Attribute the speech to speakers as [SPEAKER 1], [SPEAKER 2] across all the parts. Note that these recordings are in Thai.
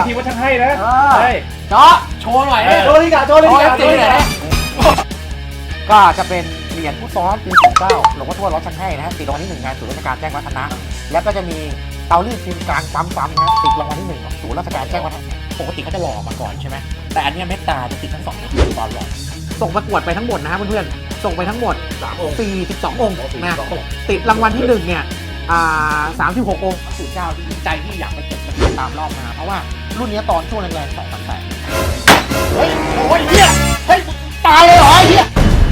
[SPEAKER 1] ทีว่าช่างให้นะใช่
[SPEAKER 2] เจาะโชว์หน่อยโชว์ลิกาโชว์ลิกาโชว์ลิกาก็จะเป็นเหรียญผู้ซ้อมปี09หลวงพ่อทวดรถช่างให้นะฮะติดรางวัลที่1งานศูนย์ราชการแจ้งวัฒนะแล้วก็จะมีเตารีดพิมพ์กลางปั๊มนะฮะติดรางวัลที่1ของศูนย์ราชการแจ้งวัฒนะปกติเขาจะหล่อมาก่อนใช่ไหมแต่อันนี้เมตตาจะติดทั้ง2ตอนหล่อส่งประกวดไปทั้งหมดนะฮะเพื่อนๆส่งไปทั้งหมด42 องค์นะติดรางวัลที่1เนี่ย36 องค์ศูนย์เจ้าที่ใจที่อยากไปเก็บตามรอบมาเพราะว่ารุ่นนี้ตอนช่วงแรงๆ2-3 แสนเฮ้ยโอ้ยเฮียเฮ้ยตายเลยเหรอไอ้เฮีย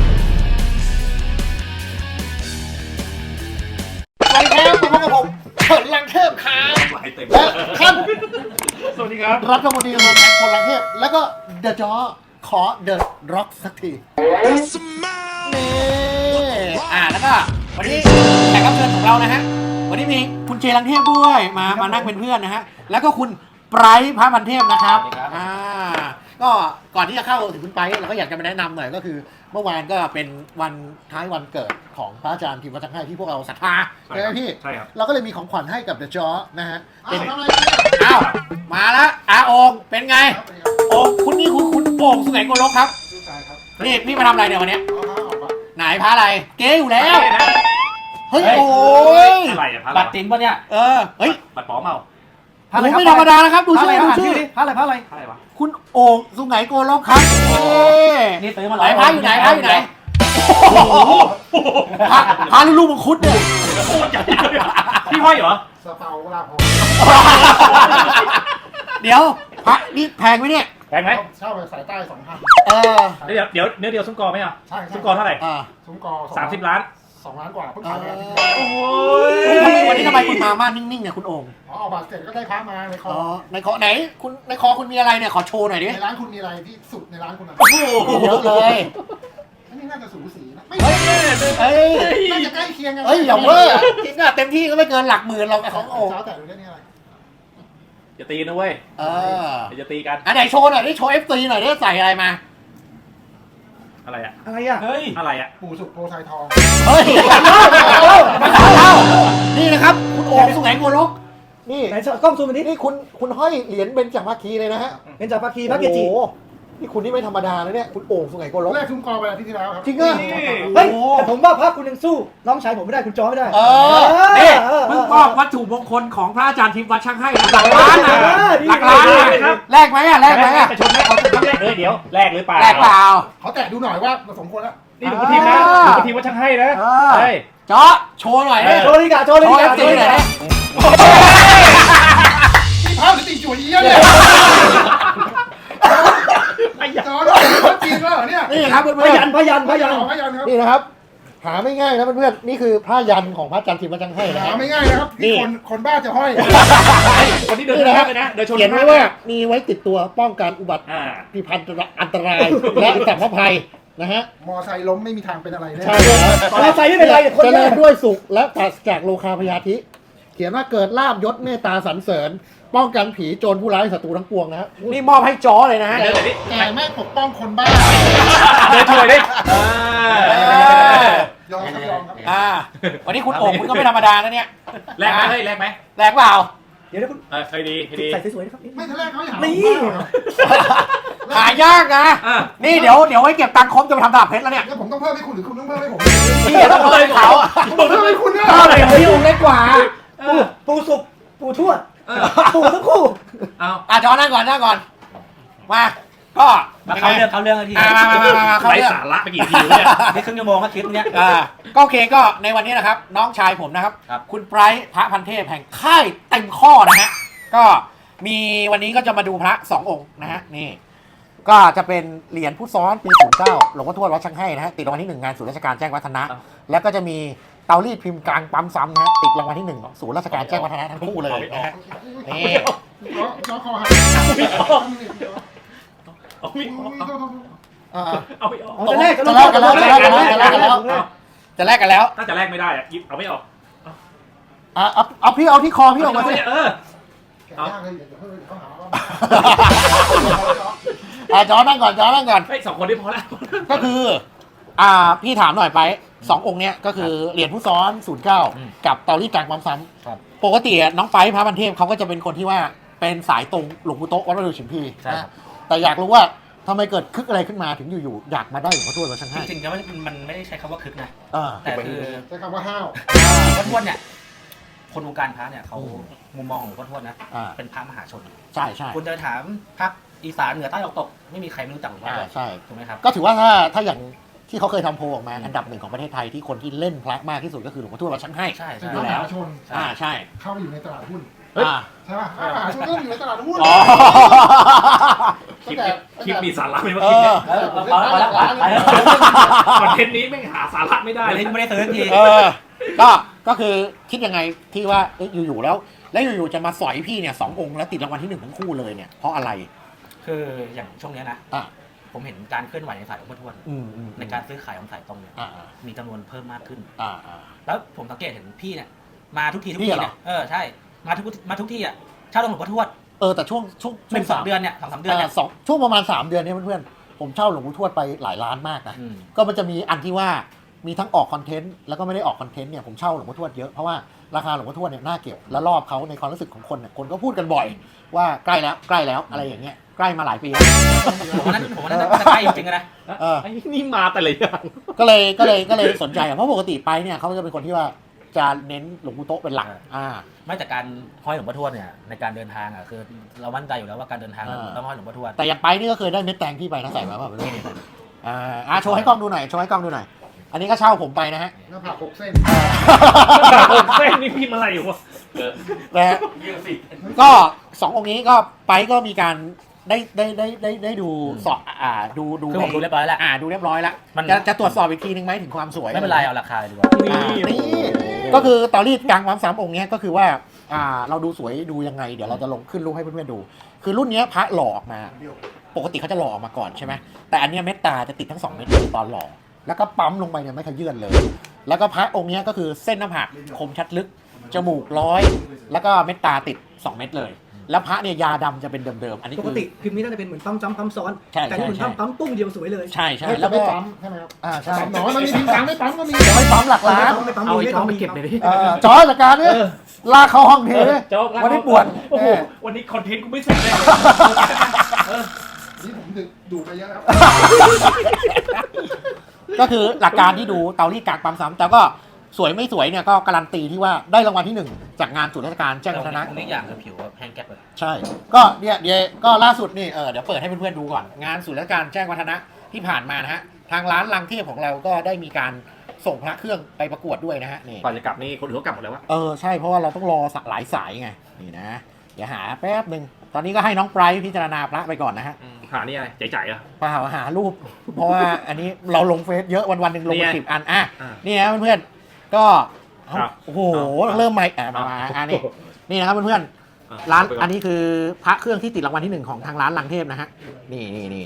[SPEAKER 2] ลังเทพมาพบกับผมเฉินลังเทพครับและท่าน
[SPEAKER 1] สวัสดีครับ
[SPEAKER 2] รัฐมนตรีกระทรวงการคลังลังเทพแล้วก็เดอะจอขอเดอะร็อกสักทีนี่แล้วก็วันนี้แขกรับเชิญของเรานะฮะวันนี้มีคุณเจลังเทพด้วยมานั่งเป็นเพื่อนนะฮะแล้วก็คุณไบรท์พระพันเทพนะครับก็ก่อนที่จะเข้าถึงคุณไบรท์เราก็อยากจะมาแนะนำหน่อยก็คือเมื่อวานก็เป็นวันท้ายวันเกิดของพระอาจารย์พิมพ์วัฒนให้ที่พวกเราศรัทธาใช่ไหมพี่ใช่ครับเราก็เลยมีของขวัญให้กับเดอะจอนะฮะเป็นอ้าวมาแล้วโอ่งเป็นไงโอ่งคุณนี่คุณโอ่งสุไหงโกลกครับนี่พี่มาทำอะไรเนี่ยวันนี้ไหนพระอะไรเก๊อยู่แล้วเฮ้ยโอ้ย
[SPEAKER 1] อะไรอะพระ
[SPEAKER 3] บัตรจริงปะเนี่ย
[SPEAKER 2] เฮ้ย
[SPEAKER 1] บัตรปลอมเมา
[SPEAKER 2] ไม่ธรรมดานะครับดูชื่อ
[SPEAKER 3] พระอะไร
[SPEAKER 1] วะ
[SPEAKER 2] คุณโอ่งสุไหงโกลกครับ
[SPEAKER 3] นี่ซื้อมา
[SPEAKER 2] ไหนพระอยู่ไหนพระลูกมังคุดเนี่ย
[SPEAKER 1] พี่ห้อยเหรอ
[SPEAKER 4] สเปาลาพอ
[SPEAKER 2] เดี๋ยวพระนี่แพงไหมเนี่ย
[SPEAKER 1] แพงไหม
[SPEAKER 4] เช่าไปสายใต้2,000
[SPEAKER 1] เดี๋ยวเนื้อเดียวซุ้มกอไหมอ่ะ
[SPEAKER 4] ใช่
[SPEAKER 1] ซุ้มกอเท่าไหร่
[SPEAKER 4] ซุ้มกอ
[SPEAKER 1] 30 ล้าน
[SPEAKER 4] 2 ล้านกว่าเพิ่งขายไป
[SPEAKER 1] โอ้
[SPEAKER 2] ยวันนี้ทำไมคุณมานิ่งๆเนี่ยคุณโอ่ง
[SPEAKER 4] เอาบัตรเสร็จก็ได้พระมาในคอ
[SPEAKER 2] ในคอไหนคุณในคอคุณมีอะไรเนี่ยขอโชว์หน่อยดิ
[SPEAKER 4] ในร้านคุณมีอะไรที่สุดในร้านคุณอ่ะ
[SPEAKER 2] เยอะเลย
[SPEAKER 4] อันนี้น่าจะสูสีนะไม่น่าจะใกล้เคียงกัน
[SPEAKER 2] อย่าเพิ่งจริงอะเต็มที่ก็ไม่เกินหลักหมื่นเราของโอ่ง
[SPEAKER 4] เช้าแต่ดูได้นี่อะไร
[SPEAKER 1] จะตีนะเว้ยจะตีกัน
[SPEAKER 2] ไหนโชว์หน่อยดิโชว์ FC หน่อยดิใส่อะไรมา
[SPEAKER 1] อะไรอะ
[SPEAKER 3] เฮ้ย
[SPEAKER 1] อะไรอะ
[SPEAKER 4] ปู่สุกโพไซทอง
[SPEAKER 2] เฮ้ยนี่นะครับคุณโอ่งสุไหงโกลกนี่
[SPEAKER 3] ไหนกล้องซูมมาดิ
[SPEAKER 2] นี่คุณห้อยเหรียญเบญจภาคีเลยนะฮะ
[SPEAKER 3] เบญจภาคีพระเกจิ
[SPEAKER 2] นี่คุณนี่ไม่ธรรมดาเลยเนี่ยคุณโอ่งสุไหงโกลก
[SPEAKER 4] แรกซุ้มกอไปที่แล้วครับ
[SPEAKER 2] จริงเหรอ
[SPEAKER 3] เฮ้ยแต่ผมว่าพระคุณยังสู้น้องชายผมไม่ได้คุณจอไม่ได้
[SPEAKER 2] นี่เพิ่งมอบวัตถุมงคลของพระอาจารย์ทิมวัดช่างให้หลักล้านนะหลักล้านนะแลกไหม
[SPEAKER 1] จะชนไหมขอชนแรกเลยเดี๋ยวแลกหรือเปล่า
[SPEAKER 4] เขาแตะดูหน่อยว่าสมควรแล้ว
[SPEAKER 1] นี่หลวงพ่อทีมนะหลวงพ่อทีมว่าช่างให้นะใช่
[SPEAKER 2] เจาะโชว์หน่อย
[SPEAKER 3] โชว์ลิกาโชว์ลิกา
[SPEAKER 2] จริงหน่อย
[SPEAKER 4] นี่พระสติจุ๋ยเยอะเลยจอด้วยจริงแล้วเนี่ย
[SPEAKER 2] นี่ครับเพื่อน
[SPEAKER 3] พยัน
[SPEAKER 2] นี่นะครับหาไม่ง่ายนะเพื่อนๆนี่คือผ้ายันของพระอาจารย์ทิมวัดช่างให้นะ
[SPEAKER 4] หาไม่ง่ายนะครับที่คนบ้าจะห้อย
[SPEAKER 1] คนที่เดินนะครับ
[SPEAKER 2] เขียนไว้ว่ามีไว้ติดตัวป้องกันอุบัติภัยอันตรายและสัมภภัยนะฮะ
[SPEAKER 4] มอไซค์ล้มไม่มีทางเป็นอะไรเลย
[SPEAKER 2] ใช่
[SPEAKER 3] มอไซค์ไม่เป็นไร
[SPEAKER 2] เจริญด้วยสุขและปราศจากโลคาพยาธิเขียนว่าเกิดลาภยศเมตตาสรรเสริญป้องกันผีโจรผู้ร้ายศัตรูทั้งปวงนะฮะนี่มอบให้จอเลยนะฮะ
[SPEAKER 4] แต่ไม่ปกป้องคนบ้า
[SPEAKER 1] เดินช่วยดิ
[SPEAKER 4] ยอม
[SPEAKER 2] วันนี้คุณโอ่งคุณก็ไม่ธรรมดานะเนี่ย
[SPEAKER 1] แลกไหมแลกไหม
[SPEAKER 2] แลกเปล่า
[SPEAKER 3] เดี๋ยวคุณ
[SPEAKER 1] เคยดี
[SPEAKER 3] ใส่สวยๆนะครับ
[SPEAKER 4] ไม่ทะเลเขาอย่าง
[SPEAKER 3] นี้
[SPEAKER 2] หายากนะนี่เดี๋ยวไว้เก็บตังค์ครบจะไปทำตลาดเพชรแล้วเนี่ย
[SPEAKER 4] ผมต้องเพิ่มให้คุณหรือคุณต้องเพิ่มให้ผม
[SPEAKER 2] พี่ต้องเพิ่มให้เขา
[SPEAKER 4] ผมเพิ่มให้คุณเนี่ย
[SPEAKER 2] พี่โอ่งเล็กกว่า
[SPEAKER 3] ปูสุกปูทวดปูทั้งคู่
[SPEAKER 2] จอนั่งก่อนมาก็
[SPEAKER 3] เขาเรื่องที
[SPEAKER 2] มา
[SPEAKER 1] ไร้สาระไปกี่ทีเนี่ย
[SPEAKER 3] ไม่ครึ่งชั่วโมงครับคลิปเนี้ย
[SPEAKER 2] ก็โอเคก็ในวันนี้นะครับน้องชายผมนะครับคุณไบรท์พระพันเทพแห่งค่ายเต็มข้อนะฮะก็มีวันนี้ก็จะมาดูพระ2 องค์นะฮะนี่ก็จะเป็นเหรียญผู้ซ้อนปี09หลวงพ่อทวดวัดช่างให้นะฮะติดรางวัลที่1งานศูนย์ราชการแจ้งวัฒนะแล้วก็จะมีเตารีดพิมพ์กลางปั๊มซ้ำนะฮะติดรางวัลที่1ของศูนย์ราชการแจ้งวัฒนะทั้งคู่เลยนะฮะนี่
[SPEAKER 4] น้องคอหัก
[SPEAKER 1] เอาไม่ออก
[SPEAKER 2] จะแลกกันแล้ว
[SPEAKER 1] ถ้าจะแลกไม่ได้อะเอาไม่ออก
[SPEAKER 2] เอาพี่เอาที่คอพี่ออกมาสิจอนั่งก่อน
[SPEAKER 1] ไอ้2 คนที่พอแล้ว
[SPEAKER 2] ก็คือพี่ถามหน่อยไป2 องค์เนี้ยก็คือเหรียญผู้ซ้อน09กับเตารีดกลางปั๊มซ้ำปกติน้องไฟพระพันเทพเขาก็จะเป็นคนที่ว่าเป็นสายตรงหลวงปู่โต๊ะวัดประดู่ฉิมพี
[SPEAKER 5] ใช่ครับ
[SPEAKER 2] แต่อยากรู้ว่าทำไมเกิดคึกอะไรขึ้นมาถึงอยู่ๆอยากมาได้หลวงพ่อทวดวัดช่าง
[SPEAKER 5] จ
[SPEAKER 2] ให้
[SPEAKER 5] ริงๆแล้วมันไม่ได้ใช้คำว่าคึกนะ
[SPEAKER 2] อ่า
[SPEAKER 5] แต่คือ
[SPEAKER 4] ใช้คำว่าห้าว
[SPEAKER 5] หลวงพ่อทวดเนี่ยคนวงการพระเนี่ยเขามุมมองของหลวงพ่อทวดนะ
[SPEAKER 2] อ่า
[SPEAKER 5] เป็นพระมหาชน
[SPEAKER 2] ใช่ใช่
[SPEAKER 5] คุณจะถามภาคอีสานเหนือใต้ออกตกไม่มีใครไม่รู้จักหลวงพ่อทวด
[SPEAKER 2] ใช่
[SPEAKER 5] ถูกไหมครับ
[SPEAKER 2] ก็ถือว่าถ้าอย่างที่เขาเคยทำโพลออกมาอันดับหนึ่งของประเทศไทยที่คนที่เล่นพระมากที่สุดก็คือหลวงพ่อทวดวัดช่างให้
[SPEAKER 5] ใช่
[SPEAKER 4] เป็น
[SPEAKER 5] ใช่
[SPEAKER 4] พระมหาชน
[SPEAKER 2] ใช่
[SPEAKER 4] เข้าไปอยู่ในตลาดหุ้น
[SPEAKER 2] อ่า
[SPEAKER 4] ใช่ป่ะพระมหาชนก็อยู่ในตลาดหุ้น
[SPEAKER 2] อ๋อ
[SPEAKER 1] คลิปมีสาระไหมว่า
[SPEAKER 2] เอ
[SPEAKER 1] คลิป
[SPEAKER 2] อ
[SPEAKER 1] เนี่ย
[SPEAKER 5] เอาละไปแล้ว
[SPEAKER 1] คอนเทนต์นี้แม่งหาสาระไม่ได้เลย
[SPEAKER 5] ไม่ได้ซื้อที
[SPEAKER 2] เออก็คือคิดยังไงที่ว่าอยู่ๆแล้วอยู่ๆจะมาสอยพี่เนี่ย2 องค์แล้วติดรางวัลที่1ทั้งคู่เลยเนี่ยเพราะอะไร
[SPEAKER 5] คืออย่างช่วงเนี้ยนะ
[SPEAKER 2] อ่ะ
[SPEAKER 5] ผมเห็นการเคลื่อนไหวในสายหลวงพ่อทวด
[SPEAKER 2] อืม
[SPEAKER 5] ในการซื้อขายของสายตรงเนี่ย
[SPEAKER 2] อ่า
[SPEAKER 5] มีจำนวนเพิ่มมากขึ้น
[SPEAKER 2] อ่า
[SPEAKER 5] แล้วผมสังเกตเห็นพี่เนี่ยมาทุกที
[SPEAKER 2] พี่เหรอ
[SPEAKER 5] เนี่ยใช่มาทุกที่อ่ะเช่าหลวงพ่อทวด
[SPEAKER 2] แต่ช่วง
[SPEAKER 5] สองเดือนเนี่ยสองเดือนเนี่ย
[SPEAKER 2] ช่วงประมาณ3 เดือนเนี่ยเพื่อนๆผมเช่าหลวงปู่ทวดไปหลายล้านมากนะ
[SPEAKER 5] อืม
[SPEAKER 2] ก็มันจะมีอันที่ว่ามีทั้งออกคอนเทนต์แล้วก็ไม่ได้ออกคอนเทนต์เนี่ยผมเช่าหลวงพ่อทวดเยอะเพราะว่าราคาหลวงพ่อทวดเนี่ยน่าเก็บและรอบเขาในความรู้สึกของคนเนี่ยคนก็พูดกันบ่อยว่าใกล้แล้วอะไรอย่างเงี้ยใกล้มาหลายปีแล้ว
[SPEAKER 5] ผมว่านั้นจะใกล้จริงๆนะ
[SPEAKER 1] ไอ้นี่มาแต่ละอย่าง
[SPEAKER 2] ก็เลยสนใจเพราะปกติไปเนี่ยเขาจะเป็นคนที่ว่าจะเน้นหลวงปู่โต๊ะเป็นหลัก
[SPEAKER 5] ไม่แต่การห้อยหลวงพ่อทวดเนี่ยในการเดินทางอ่ะคือเรามั่นใจอยู่แล้วว่าการเดินทางต้องห้อยหลวงพ่อทวด
[SPEAKER 2] แต่อย่างไปนี่ก็เคยได้เม็ดแตงพี่ไปนะใส่มาเปล่าไม่รู้โชว์ให้กล้องดูหน่อยอันนี้ก็เช่าผมไปนะฮะ
[SPEAKER 4] หน้าผาก6 เส้น
[SPEAKER 1] เส้นนี่พี่มาอะไรอยู่วะ
[SPEAKER 2] นะฮะก็2 องค์นี้ก็ไปก็มีการได้ดูสอบดู
[SPEAKER 5] คือผมดูเรียบร้อยแล้ว
[SPEAKER 2] ดูเรียบร้อยแล้ว
[SPEAKER 5] มัน
[SPEAKER 2] จะตรวจสอบอีกทีนึงไหมถึงความสวย
[SPEAKER 5] ไม่เป็นไรเอาราคาดีกว่า
[SPEAKER 2] นี่ก็คือตอรี่กลางความ3 องค์เนี้ยก็คือว่าเราดูสวยดูยังไงเดี๋ยวเราจะลงขึ้นรูปให้เพื่อนๆดู คือรุ่นเนี้ยพระหล่อออกมา ปกติเขาจะหล่อออกมาก่อนใช่ไหมแต่อันเนี้ยเม็ดตาจะติดทั้ง2 เม็ดตอนหล่อแล้วก็ปั๊มลงไปเนี่ยไม่ขยื่นเลย แล้วก็พระองค์เนี้ยก็คือเส้นหน้าผากคมชัดลึกจมูก100แล้วก็เม็ดตาติด2 เม็ดเลยแล้วพระเนี่ยยาดำจะเป็นเดิมๆอันนี้
[SPEAKER 3] ปกติพิมพ์นี้น่าจะเป็นเหมือนปั๊มซ้ำปั๊มซ้อน
[SPEAKER 2] ใช่
[SPEAKER 3] แต่นี่เหมือนปั๊มปุ้งเดียวสวยเลย
[SPEAKER 2] ใช่
[SPEAKER 4] แล้
[SPEAKER 2] แล้ว ว
[SPEAKER 4] ไม่
[SPEAKER 2] ก็
[SPEAKER 4] ปั๊มใช่ไหมครับ
[SPEAKER 2] ใช่
[SPEAKER 4] ปั๊มน้อยมันมีทิ้งตังค์ไม่ปั๊มก็มี
[SPEAKER 2] ยังไม่ปั๊มหลักล้าน
[SPEAKER 3] ไม่ปั๊ม
[SPEAKER 1] เอาไอ้
[SPEAKER 3] ไม่
[SPEAKER 1] ท้อ
[SPEAKER 3] ปั๊
[SPEAKER 1] ง
[SPEAKER 3] ม
[SPEAKER 1] ไปเก็บเลยดิ
[SPEAKER 2] จอจากการเนี่ยลากเข้าห้องเท
[SPEAKER 1] โจ๊ก
[SPEAKER 2] วันนี้ปวด
[SPEAKER 1] โอ้โหวันนี้คอนเทนต์กูไม่เสร็จเลย
[SPEAKER 4] นี่ผมดูไปเยอะแล้ว
[SPEAKER 2] ก็คือหลักการที่ดูเตารีดกากปั๊มซ้ำแต่ก็สวยไม่สวยเนี่ยก็การันตีที่ว่าได้รางวัลที่ 1 จากงานศูนย์ราชการแจ้งวัฒนะ
[SPEAKER 5] ตรงนี้อย่างคือผิวแห้งแก๊กเลย
[SPEAKER 2] ใช่ ก็เนี่ยเดี๋ยวก็ล่าสุดนี่เดี๋ยวเปิดให้เพื่อนๆดูก่อนงานศูนย์ราชการแจ้งวัฒนะที่ผ่านมานะฮะทางร้านลังเทพของเราก็ได้มีการส่งพระเครื่องไปประกวดด้วยนะฮะนี่
[SPEAKER 1] ก่อนจะกลับนี่คนอื่นเขากลับหมดแล้ววะ
[SPEAKER 2] ใช่เพราะว่าเราต้องรอหลายสายไงนี่นะเดี๋ยวหาแป๊บหนึ่งตอนนี้ก็ให้น้องไบรท์พิจารณาพระไปก่อนนะฮะ
[SPEAKER 1] หานี่อะไรใจๆอ่ะ
[SPEAKER 2] เปล่าหารูป เพราะว่าอันนี้เราลงเฟซเยอะวันๆหนึ่งลงไป
[SPEAKER 1] นี่ไง
[SPEAKER 2] 10 อัน
[SPEAKER 1] อ่า
[SPEAKER 2] นี่นะเพื่อนๆก็
[SPEAKER 1] ครับ
[SPEAKER 2] โอ้โหเริ่มใหม่มาอันนี้นี่นะครับเพื่อนๆร้านอันนี้คือพระเครื่องที่ติดรางวัลที่ 1ของทางร้านลังเทพนะฮะนี่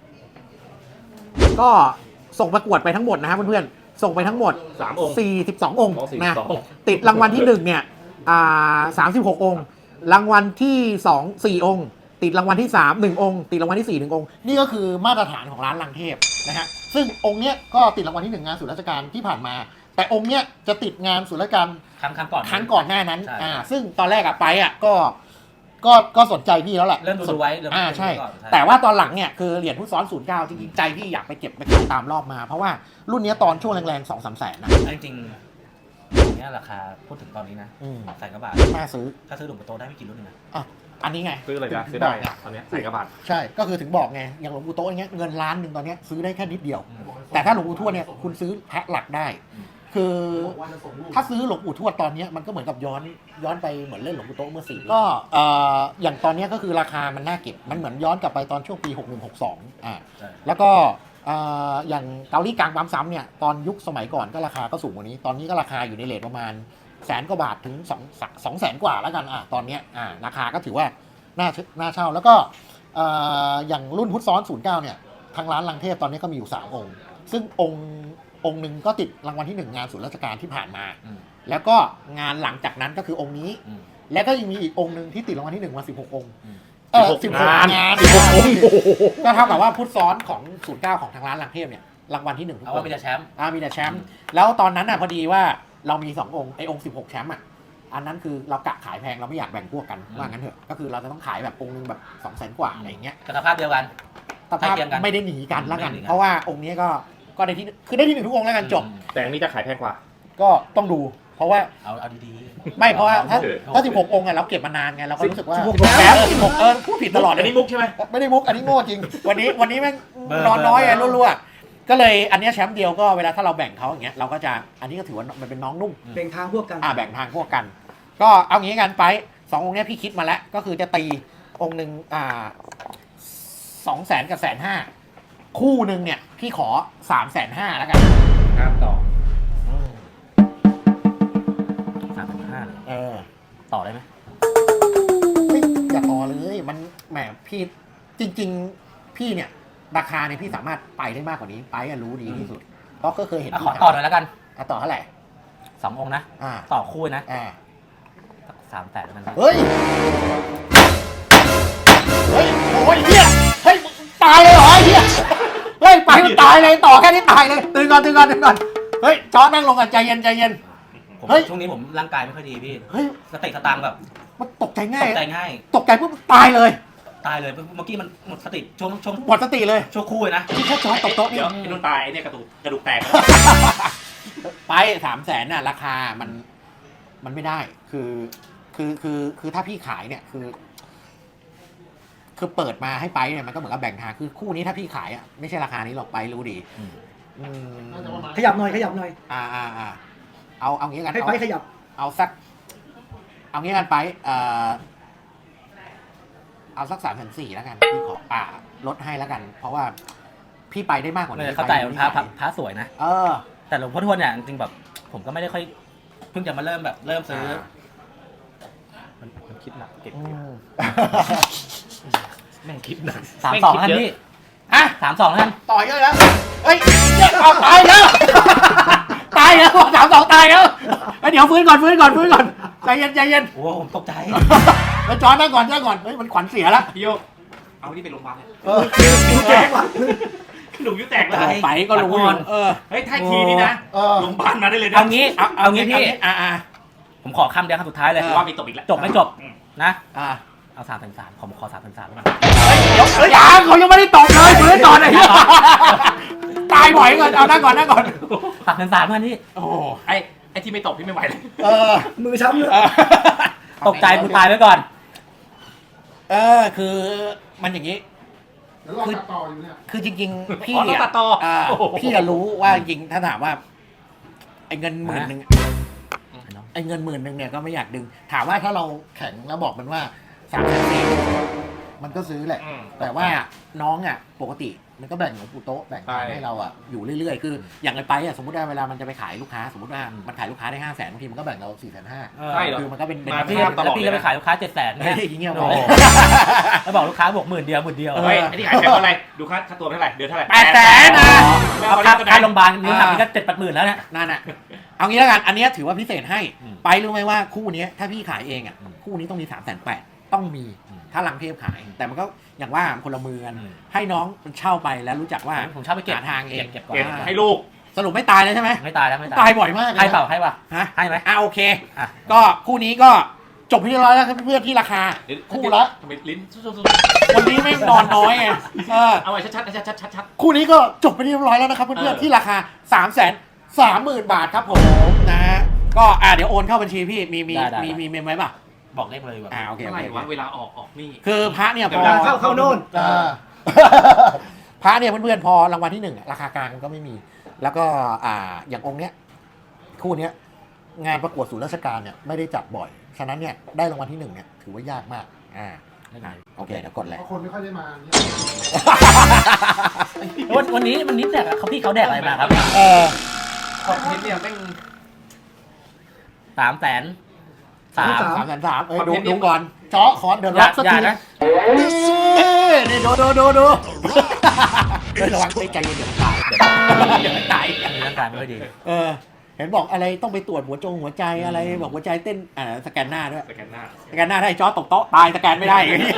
[SPEAKER 2] ก็ส่งประกวดไปทั้งหมดนะฮะเพื่อนๆส่งไปทั้งหมด
[SPEAKER 1] 3 องค์
[SPEAKER 2] 42 องค์
[SPEAKER 1] อ๋อ42
[SPEAKER 2] นะติดรางวัลที่1เนี่ย36 องค์รางวัลที่2 4 องค์ติดรางวัลที่3 1 องค์ติดรางวัลที่4 1 องค์นี่ก็คือมาตรฐานของร้านลังเทพนะฮะซึ่งองค์เนี้ยก็ติดรางวัลที่1งานศูนย์ราชการที่ผ่านมาแต่องค์เนี้ยจะติดงานศูนย์ราชการ
[SPEAKER 5] ครั้งก่อน
[SPEAKER 2] ครั้งก่อนหน้านั้น
[SPEAKER 5] ใช่
[SPEAKER 2] ซึ่งตอนแรกไปก็สนใจพี่แล้วแหละ
[SPEAKER 5] เริ่มดูไว้เริ่ม
[SPEAKER 2] ใช่
[SPEAKER 5] ดูก่อน
[SPEAKER 2] แต่ว่าตอนหลังเนี่ยคือเหรียญผู้ซ้อน09จริงๆใจพี่อยากไปเก็บไปขายตามรอบมาเพราะว่ารุ่นเนี้ยตอนช่วงแรงๆ 2-3 แสนนะ
[SPEAKER 5] จริงๆอย่างเนี้ยราคาพูดถึงตอนนี้นะใส่กระบะ
[SPEAKER 2] น่าซื้อ
[SPEAKER 5] ถ้าซื้อหลวงปู่โตได้ไม่กี่รุ่นเองนะ
[SPEAKER 2] อันนี้ไง
[SPEAKER 1] ซื้ออะไรนะซื้อได้ตอนนี้ใส่กระบาด
[SPEAKER 2] ใช่ก็คือถึงบอกไงอย่างหลวงปู่โต๊ะอย่างเงี้ยเงินล้านหนึ่งตอนเนี้ยซื้อได้แค่นิดเดียว แต่ถ้าหลวงปู่ทวดเนี่ยคุณซื้อแพ็คหลักได้ คือถ้าซื้อหลวงปู่ทวดตอนเนี้ยมันก็เหมือนกับย้อนไปเหมือนเล่นหลวงปู่โต๊ะเมื่อ4 ก็อย่างตอนเนี้ยก็คือราคามันน่าเก็บมันเหมือนย้อนกลับไปตอนช่วงปี61-62แล้วก็อย่างเกาหลีกลางปั๊มซ้ำเนี่ยตอนยุคสมัยก่อนก็ราคาก็สูงกว่านี้ตอนนี้ก็ราคาอยู่ในเรทประมาณ100,000 กว่าบาทถึง200,000 กว่าแล้วกันตอนเนี้ยราคาก็ถือว่าน่าเช่าแล้วก็อย่างรุ่นพุทธซ้อน09เนี่ยทางร้านลังเทพตอนนี้ก็มีอยู่3 องค์ซึ่งองค์หนึ่งก็ติดรางวัลที่1งานศูนย์ราชการที่ผ่านมาแล้วก็งานหลังจากนั้นก็คือองค์นี้แล้วก็ยังมีอีกองค์หนึ่งที่ติดรางวัลที่1มา16 องค์16 งาน16 องค์ก็เท่ากับว่าพุทธซ้อนของ09ของทางร้านลังเทพเนี่ยรางวัลที่1
[SPEAKER 5] เอาว่ามีแต่แชมป์
[SPEAKER 2] มีแต่แชมป์แล้วตอนนั้นพอดีว่าเรามี2 องค์ไอ้องค์16 แชมป์อันนั้นคือเรากะขายแพงเราไม่อยากแบ่งพวกกันว่างั้นเถอะก็คือเราจะต้องขายแบบองค์นึงแบบ200,000 กว่าอะไรอย่างเงี้ย
[SPEAKER 5] กับสภาพเดียวกัน
[SPEAKER 2] สภาพ
[SPEAKER 5] ใกล้เคียงกัน
[SPEAKER 2] ไม่ได้หนีกันแล้วกัน
[SPEAKER 5] ไม่ได้หนีกัน
[SPEAKER 2] เพราะว่าองค์นี้ก็ได้ที่คือได้ที่1ทุกองค์แล้วกันจบ
[SPEAKER 1] แต่อันนี้จะขายแพงกว่า
[SPEAKER 2] ก็ต้องดู เพราะว่า
[SPEAKER 5] เอาดี
[SPEAKER 2] ไม่เพราะว่าถ้า
[SPEAKER 1] เอา
[SPEAKER 2] ถ้า16 องค์อะเราเก็บมานานไงเราก็รู้สึกว่า
[SPEAKER 3] 16
[SPEAKER 2] แล้ว16พูดผิดตลอดเล
[SPEAKER 1] อัน
[SPEAKER 2] ย
[SPEAKER 1] นี้มุกใช่ไหม
[SPEAKER 2] ไม่ได้มุกอันนี้โง่จริง วันนี้แม่งนอนน้อยไงรั่วๆก็เลยอันเนี้ยแชมป์เดียวก็เวลาถ้าเราแบ่งเขาอย่างเงี้ยเราก็จะอันนี้ก็ถือว่ามันเป็นน้องนุ่ม
[SPEAKER 3] เป็นทางพวกกัน
[SPEAKER 2] แบ่งทางพวกกัน ก็เอางี้กันไป2 องค์เนี้ยพี่คิดมาแล้วก็คือจะตีองค์หนึ่ง200,000 กับ 150,000 คู่หนึ่งเนี่ยพี่ขอ 350,000แล้วกัน
[SPEAKER 1] ครับต่อ
[SPEAKER 5] ๆ3,500เลย
[SPEAKER 2] เออ
[SPEAKER 5] ต่อได้ไหม
[SPEAKER 2] ไม่อย่าต่อเลยมันแหมพี่จริง ๆ พี่เนี่ยราคาเนี่ยพี่สามารถไปได้มากกว่านี้ไปอะรู้ดีที่สุดเพราะก็เคยเห็น
[SPEAKER 5] ขอต่อหน่อยแล้วกัน
[SPEAKER 2] ต่อเท่าไหร่
[SPEAKER 5] 2 องค์นะ
[SPEAKER 2] อ่า
[SPEAKER 5] ต่อคู่นะ
[SPEAKER 2] อ่า
[SPEAKER 5] 300,000แล้วกัน
[SPEAKER 2] เฮ้ยโอ้ยเฮียเฮ้ยตายเลยเหรอไอ้เฮียเฮ้ยไปมันตายเลยต่อแค่นี้ตายเลยตื่นก่อนเฮ้ยจอนั่งลงกันใจเย็น
[SPEAKER 5] ผม
[SPEAKER 2] เฮ้ย
[SPEAKER 5] ช่วงนี้ผมร่างกายไม่ค่อยดีพี่
[SPEAKER 2] เฮ้ย
[SPEAKER 5] สติสตางค์แบบ
[SPEAKER 2] มันตกใจ
[SPEAKER 5] ต
[SPEAKER 2] ง่าย
[SPEAKER 5] กใจง่าย
[SPEAKER 2] ตกใจปุ๊บตายเลย
[SPEAKER 5] ตายเลยเมื่อกี้มันหมดสติช่วง
[SPEAKER 2] หมดสติเลย
[SPEAKER 5] ช่วงคู่เลยนะ
[SPEAKER 2] ที่แค่จอตกโต๊ะนี่
[SPEAKER 1] เดี๋ยวไอ้นุ่นตายไอ้เนี่ยกระดูกแตก
[SPEAKER 2] ไป300,000น่ะราคามันไม่ได้คือถ้าพี่ขายเนี่ยคือเปิดมาให้ไปเนี่ยมันก็เหมือนกับแบ่งทางคือคู่นี้ถ้าพี่ขายอ่ะไม่ใช่ราคานี้หรอกไปรู้ดี
[SPEAKER 5] อืม
[SPEAKER 2] อืม
[SPEAKER 4] น่าจะประมาณ
[SPEAKER 3] ขยับหน่อย
[SPEAKER 2] เอางี้กัน
[SPEAKER 3] ให้ไปขยับ
[SPEAKER 2] เอางี้กันไปเอาสัก3,400แล้วกันพี่ขอลดให้แล้วกัน เพราะว่าพี่ไปได้มากกว่านี้
[SPEAKER 5] เข้าใจว่าพระสวยนะ
[SPEAKER 2] เออ
[SPEAKER 5] แต่หลวงพ่อทวดเนี่ยจริงๆแบบผมก็ไม่ได้ค่อยเพิ่งจะมาเริ่มซื้อ
[SPEAKER 1] มันคิดหนักเก็บ
[SPEAKER 2] อืม
[SPEAKER 1] แม่งคิดหนัก
[SPEAKER 5] 32แล้วกันพี่
[SPEAKER 2] อ่ะ
[SPEAKER 5] 32แล้วกัน
[SPEAKER 2] ต่อยเยอะแล้วเฮ้ยเอาตายแล้วตายแล้ว32ตายแล้วเดี๋ยวฟื้นก่อนใจเย็น
[SPEAKER 5] โอ้ผมตกใจ
[SPEAKER 2] แล้วจอนั่งก่อนเฮ้ยมันขวัญเสียแล้ว
[SPEAKER 1] พี่โยกเอาที่ไปโรงพยาบาลเลย
[SPEAKER 3] ดูแจ้งว่ะ
[SPEAKER 1] หนูยิ้วแตกเล
[SPEAKER 5] ตาย
[SPEAKER 1] ย
[SPEAKER 2] ไปก็รู้อยู่เออ
[SPEAKER 1] เฮ้ยถ้าทีนี้นะ
[SPEAKER 2] เออ
[SPEAKER 1] โรงพยาบาลมาได้เลยนะ
[SPEAKER 5] เอางี้เอางี้พี่
[SPEAKER 2] ผม
[SPEAKER 5] ผมขอคำเดียวคำสุดท้ายเลย
[SPEAKER 1] ว่ามีตบอีกแล้ว
[SPEAKER 5] จบไม่จบนะ
[SPEAKER 2] อ่า
[SPEAKER 5] เอา3,300ผมขอ3,300แล้วกัน
[SPEAKER 2] เฮ้ยยังเขายังไม่ได้ตกเลยฟื้นก่อนไอ้เหี้ยตายบ่อยก่อนเอานั่งก่อน
[SPEAKER 5] 3,300กันพี่
[SPEAKER 2] โอ้
[SPEAKER 1] ไอ้ที่ไม่ตบพี่ไม่ไหวเลย
[SPEAKER 2] เออ
[SPEAKER 3] มือช้ำเลย
[SPEAKER 5] ตกใจกูตายไว้ก่อน
[SPEAKER 2] คือมันอย่างนี้
[SPEAKER 4] เดี๋ยวรอตัดต่ออยู่เนี่ย
[SPEAKER 2] คือจริงๆพี่
[SPEAKER 1] อ๋อต้องตัดต่อโอ้โห
[SPEAKER 2] พี่อะรู้ว่าจริงถ้าถามว่าไอ้เงิน10,000เนี่ยก็ไม่อยากดึง ถามว่าถ้าเราแข็งแล้วบอกมันว่า3,400มันก็ซื้อแหละ
[SPEAKER 1] อืม
[SPEAKER 2] แต่ว่าน้องอ่ะปกติมันก็แบ่งหลวงปู่โต๊ะแบ่ง
[SPEAKER 1] ใช่
[SPEAKER 2] ให้เราอ่ะอยู่เรื่อยๆคืออย่างไรไปอ่ะสมมติว่าเวลามันจะไปขายลูกค้าสมมติว่ามันขายลูกค้าได้500,000บางทีมันก็แบ่งเรา450,000
[SPEAKER 1] ใช่เหรอ
[SPEAKER 2] คือมันก็เป็น
[SPEAKER 1] มา
[SPEAKER 5] พี่
[SPEAKER 1] ภาพตลอด
[SPEAKER 5] แล้วพี่ก็ไปขายลูกค้า700,000
[SPEAKER 2] เฮ้
[SPEAKER 5] เนี่ย
[SPEAKER 2] ยอย่างเงี้ย
[SPEAKER 5] โอ้โหแล้วบอกลูกค้าบอก10,000 เดียว
[SPEAKER 1] เฮ้ยไอ้ที่ขายแพงเท่าไหร่ดูค่าตัวเท่าไหร่เดือนเท่าไหร่
[SPEAKER 2] 800,000นะ
[SPEAKER 5] เอาค่าโรงพยาบาลนี่ทำนี่ก็7-8 หมื่นแล้วเนี่ย
[SPEAKER 2] นั่นน่ะเอางี้แล้วกันอันเนี้ยถือว่าพิเศษให้
[SPEAKER 5] อืม
[SPEAKER 2] ไปรู้ไหมว่าคู่เนี้ยถ้าพี่ขายเองอ่ะคู่นี้ต้องมี380,000ต้องมี
[SPEAKER 5] อืม
[SPEAKER 2] ถ้าลังเทพขาย แต่มันก็อย่างว่าคนละมือกัน
[SPEAKER 5] อืม
[SPEAKER 2] ให้น้องมันเช่าไปแล้วรู้จักว่า
[SPEAKER 5] ผมชอบไปเก็บ
[SPEAKER 2] หาทางเอง
[SPEAKER 5] เก็บก่อน
[SPEAKER 1] เก็บให้ลูก
[SPEAKER 2] สรุปไม่ตายเลยใช่ไหม
[SPEAKER 5] ไม่ตายแล้วไม่
[SPEAKER 2] ตา
[SPEAKER 5] ตาย ย
[SPEAKER 2] บ่อยมากเลย
[SPEAKER 5] ให้
[SPEAKER 2] นะ
[SPEAKER 5] เปล่าให้ป่ะ
[SPEAKER 2] ฮะ
[SPEAKER 5] ให้ไหม
[SPEAKER 2] โอเค
[SPEAKER 5] อ่ะ
[SPEAKER 2] ก็คู่นี้ก็จบไปเรียบร้อยแล้วครับเพื่อนๆที่ราคา คู่ละ
[SPEAKER 1] ทำไมลิ้นสุด
[SPEAKER 2] วันนี้ไม่นอนน้อยไง
[SPEAKER 1] เอาไว้ชัด
[SPEAKER 2] คู่นี้ก็จบไปเรียบร้อยแล้วนะครับเพื่อนๆที่ราคา330,000 บาทครับผมนะฮะก็เดี๋ยวโอนเข้าบัญชีพี่มีเมมไว้ป่ะ
[SPEAKER 5] บอกเลขเลยแบบ
[SPEAKER 2] โอเค
[SPEAKER 1] เท่า
[SPEAKER 2] โอ
[SPEAKER 1] ไหร่
[SPEAKER 2] เคว
[SPEAKER 1] ะเวลาออกนี่
[SPEAKER 2] คือพระเนี่ยพอ
[SPEAKER 3] เข้าโน่น
[SPEAKER 2] พระเนี่ยเพื่อนๆพอรางวัลที่1ราคากลางมันก็ไม่มี แล้วก็อย่างองค์เนี้ยคู่เนี้ยงานประกวดศูนย์ราชการเนี่ยไม่ได้จัดบ่อยฉะนั้นเนี่ยได้รางวัลที่1เนี่ยถือว่ายากมากโอเคเดี๋ยวกดเลย
[SPEAKER 4] เพราะคนไม่ค่อยได้มาเนี่ย
[SPEAKER 5] วันนี้แดกอะเขาพี่เขาแดกอะไรมาครับ
[SPEAKER 1] คอนเทนต์เนี่ยแม่ง
[SPEAKER 5] 300,000
[SPEAKER 2] 3,300,000ดูก่อนเจาะคอนเดินล็อกสัก
[SPEAKER 5] อย่า
[SPEAKER 2] ที
[SPEAKER 5] นะ
[SPEAKER 2] นี่ดูระวังใจเย็นเดี๋ยวตายเดี๋ยวตาย
[SPEAKER 5] มีร่างกายไม่ค่อยดี
[SPEAKER 2] เห็นบอกอะไรต้องไปตรวจหัวใจอะไรบอกหัวใจเต้นสแกนหน้าด้วย
[SPEAKER 1] สแกนหน้า
[SPEAKER 2] สแกนหน้าได้จอตกโต๊ะตายสแกนไม่ได้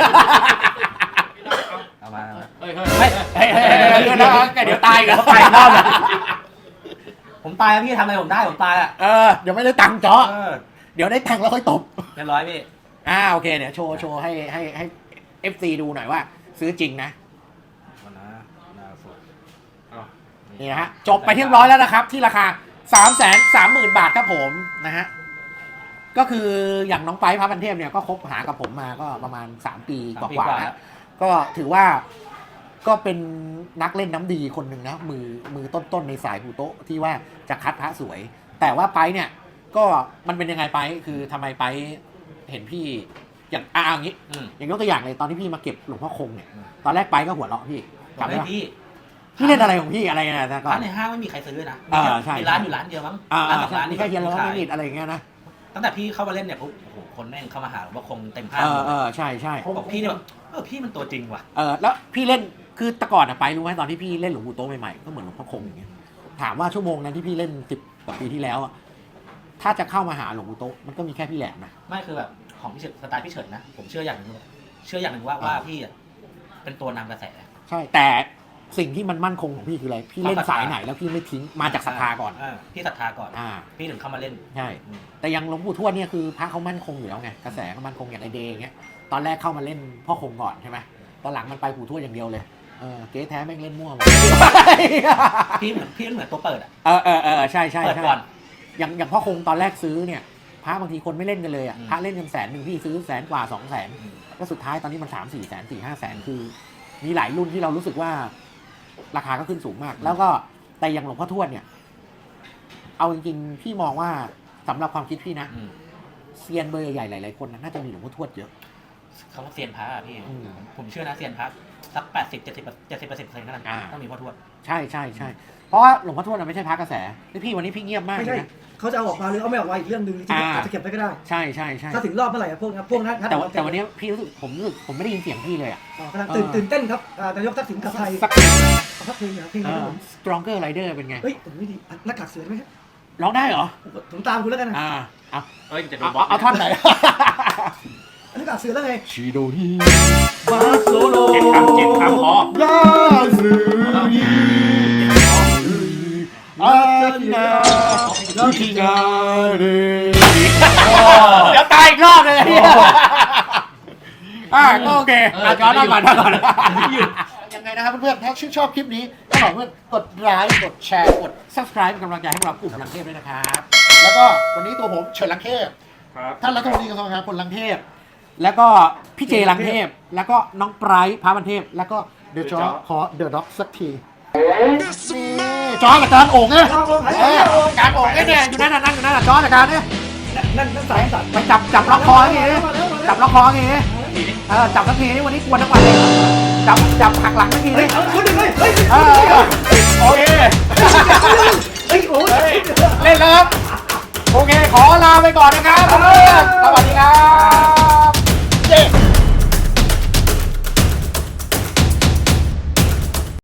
[SPEAKER 5] เอามา
[SPEAKER 1] เฮ้ย
[SPEAKER 2] เดี๋ยวตายกัน
[SPEAKER 5] ไปรอบเลยผมตายแล้วพี่ทำอะไรผมได้ผมตายอ่ะ
[SPEAKER 2] เดี๋ยวไม่ได้ตังค์จอเดี๋ยวได้ตังค์แล้วค่อยตบ
[SPEAKER 5] เรียบร้อยพี่
[SPEAKER 2] โอเคเดี๋ยวโชว์ให้ FC ดูหน่อยว่า ซื้อจริงนะ
[SPEAKER 5] วันนะนาสด
[SPEAKER 2] นี่นะฮะจบไปที่เรียบร้อยแล้วนะครับ ที่ราคา 330,000 บาทครับผมนะฮะก็คืออย่างน้องไปพระพันเทพเนี่ยก็คบหากับผมมาก็ประมาณ3 ปีกว่าๆแล้วก็ถือว่าก็เป็นนักเล่นน้ำดีคนหนึ่งนะมือต้นๆในสายปูโต๊ะที่ว่าจะคัดพระสวย แต่ว่าไปเนี่ยก็มันเป็นยังไงไปคือทำไมไปเห็นพี่อย่างอย่างนี้อย่างยกตัวอย่างเลยตอนที่พี่มาเก็บหลวงพ่อคงเนี่ยตอนแรกไปก็หัวเราะพี่กลับไปพี่เล่นอะไรของพี่อะไรนะแต่ก่อน
[SPEAKER 5] ร้านในห้างไม่มีใครซื้อนะ
[SPEAKER 2] ใช่
[SPEAKER 5] มีร้านอยู่ร้านเดียวมั้ง
[SPEAKER 2] ร้าน
[SPEAKER 5] สองร้าน
[SPEAKER 2] นี่แค่เฮียนแล้วไม่มีอะไรอย่างเงี้ยนะ
[SPEAKER 5] ตั้งแต่พี่เข้ามาเล่นเนี่ยปุ๊บโอ้โหคนแม่งเข้ามาหาว่าคงเต็มห้าง
[SPEAKER 2] ใช่
[SPEAKER 5] บอกพี่เนี่ยแบบพี่มันตัวจริงว่ะ
[SPEAKER 2] แล้วพี่เล่นคือแต่ก่อนไปรู้ไหมตอนที่พี่เล่นหลวงปู่โต๊ะใหม่ๆก็เหมือนหลวงพ่อคงอย่างเงี้ยถามว่าชั่วโมงนั้นที่พี่เล่น10 กว่าปีที่แล้วอะถ้าจะเข้ามาหาหลวงปู่โต๊ะมันก็มีแค่พี่แหลมนะ
[SPEAKER 5] ไม่คือแบบของพี่เฉิดสไตล์พี่เฉิดนะผมเชื่ออย่างหนึ่งว่าพี่เป็นตัวนำกระแส
[SPEAKER 2] ใช่แต่สิ่งที่มันมั่นคงของพี่คืออะไรพี่เล่นสายไหนแล้วพี่ไม่ทิ้งมาจากศรัทธาก่อน
[SPEAKER 5] พี่ศรัทธาก่อน พี่ถึงเข้ามาเล่น
[SPEAKER 2] ใช่แต่ยังหลวงปู่ทวดเนี่ยคือพระเขามั่นคงอยู่แล้วไงกระแสก็มั่นคงอย่างไอเดย์อย่างเงี้ยตอนแรกเข้ามาเล่นพ่อคงก่อนใช่ไหมตอนหลังมันไปปู่ทวดอย่างเดียวเลยเก๊แท้แม่งเล่นมั่วหมด
[SPEAKER 5] พี่เหมือนตัวเปิดอ่ะ
[SPEAKER 2] ใช่
[SPEAKER 5] เปิดก่อน
[SPEAKER 2] อย่างพ่อคงตอนแรกซื้อเนี่ยพระบางทีคนไม่เล่นกันเลยอ่ะพระเล่นกัน100,000พี่ซื้อ100,000 กว่า 200,000ก็สุดท้ายตอนนี้มัน3-4 แสน4-5 แสนคือมีหลายรุ่นที่เรารู้สึกว่าราคาก็ขึ้นสูงมากแล้วก็แต่อย่างหลวงพ่อทวดเนี่ยเอาจริงๆพี่มองว่าสำหรับความคิดพี่นะเซียนเบอร์ใหญ่หลายๆคนน่าจะมีหลวงพ่อทวดเยอะ
[SPEAKER 5] คำว่าเซียนพระพี่ผมเชื่อนะเซียนพระสัก70% ขนาดนั้นต้องมีพ่อทวด
[SPEAKER 2] ใช่เพราะว่าหลวงพ่อทวดไม่ใช่พระกระแสพี่วันนี้พี่เงียบมาก
[SPEAKER 3] ไม่ใช่เขาจะเอาออกมาหรือเอาไม่ออกมาอีกเรื่องนึงที่อาจจะเก็บไว้ก็ได้
[SPEAKER 2] ใช่
[SPEAKER 3] ถ้าถึงรอบเมื่อไหร่พวกนั้น
[SPEAKER 2] แต่วันนี้พี่รู้สึกผมไม่ได้ยินเสียงพี่เลยอ่ะ
[SPEAKER 3] กำลังตื่นเต้นครับนายกทักษิณกลับไทยสักเพลงเพลง
[SPEAKER 2] Stronger Rider เป็นไง
[SPEAKER 3] เฮ้ยผมไม่ดีหน้ากากเสือไหม
[SPEAKER 2] ร้องได้เหรอ
[SPEAKER 3] ผมตามคุณแล้วกันนะ
[SPEAKER 2] เอาท่อนไหน
[SPEAKER 3] หน้ากากเสือแล้วไง
[SPEAKER 2] ชิโดฮิ
[SPEAKER 1] มาโซโล่7 คำพอยาซึยิอาทินาทินาเร
[SPEAKER 2] เดี๋ยวตายอีกรอบเลยก็โอเคย้อนก่อนยังไงนะครับเพื่อนๆถ้าชื่นชอบคลิปนี้ก็ขอเพื่อนกดไลค์กดแชร์กด Subscribe เป็นกำลังใจให้พวกเรากลุ่มลังเทพด้วยนะครับแล้วก็วันนี้ตัวผมเฉิดลังเทพท่านรัฐมนตรีกระทรวงการคลังลังเทพแล้วก็พี่เจลังเทพแล้วก็น้องไบรท์พระบันเทพแล้วก็เดอะจอขอเดอะด็อกสักทีจอกับจานโอ่งเนี่ยจานโอ่งเนี่ยอยู่นั่นนั่งอยู่นั่นจอกับจานเนี่ย
[SPEAKER 3] นั่นสายสัตว์
[SPEAKER 2] ไปจับล็อกคออย่างงี้จับล็อกคออย่างงี้จับสักทีนี่วันนี้กวนทั้งวันเลยจับหักหลังสักทีนี่โอเคเล่นแล้วครับโอเคขอลาไปก่อนนะครับสวัสดีครับ